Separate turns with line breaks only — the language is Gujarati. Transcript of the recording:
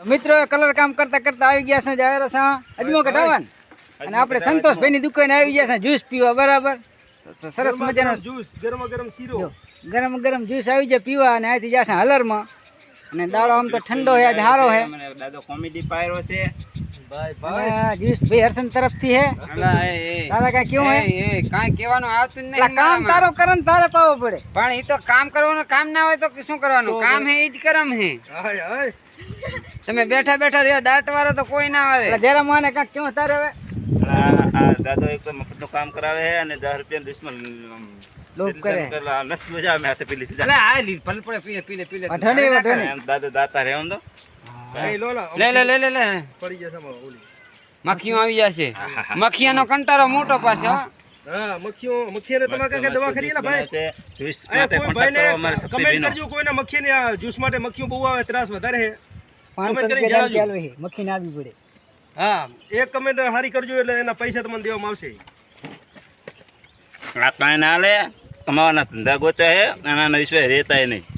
મિત્રો કલર કામ કરતા કરતા આવી ગયા છે જાહેર છે અજમો કઢાવવાનું અને આપણે સંતોષભાઈ ની દુકાને આવી ગયા છે જ્યુસ પીવા બરાબર તો સરસ મજાનો
જ્યુસ ગરમ ગરમ શીરો
ગરમ ગરમ જ્યુસ આવી જાય પીવા અને અહીંથી જશે હલરમાં અને દાડો આમ તો ઠંડો છે આજ સારો છે
દાદો કોમેડી પાયરો છે
ભાઈ જ્યુસ ભાઈ હર્ષન તરફથી હે તારા કાંઈ કેવું હે
કાંઈ કહેવાનું આવતું જ નહીં
કામ તારો કરે ને તારે પાવો પડે
પણ એ તો કામ કરવાનું કામ ના હોય તો શું કરવાનું કામ હે એ જ કરમ હે તમે બેઠા બેઠા રહ્યા દાટ વાળો તો કોઈ ના આવે
જરા મને કાંઈક કેવું તારે હવે
દાદો એક તો મફતનું કામ કરાવે છે અને 10 રૂપિયા દુશ્મન
લોભ કરે
નથી મજા આવે હાથે પેલી
એટલે આ લી પલ પડે પીલે
અઠણી વઠણી
દાદો દાતા રહે એમ તો
લે
પડી જશે ઓલી
મક્ખીઓ આવી જશે મક્ખીયાનો કંટારો મોટો પાસે હો
હા મક્ખીને તમારે કઈ દવા ખરી ભાઈ
છે જ્યુસ માટે કોન્ટેક્ટ કરો અમારે
કમેન્ટ
શક્તિબેનો
કરજો કોઈને મક્ખીને આ જ્યુસ માટે મક્ખીઓ બહુ આવે ત્રાસ વધારે છે
500 રૂપિયા ચાલુ છે મક્ખી ના આવી પડે
હા એક કમેન્ટ હારી કરજો એટલે એના પૈસા તમને દેવામાં આવશે
આ કાંઈ ના લે કમાવાના ધંધા ગોત્યા હે આના વિશ્વાસ રહેતા નહીં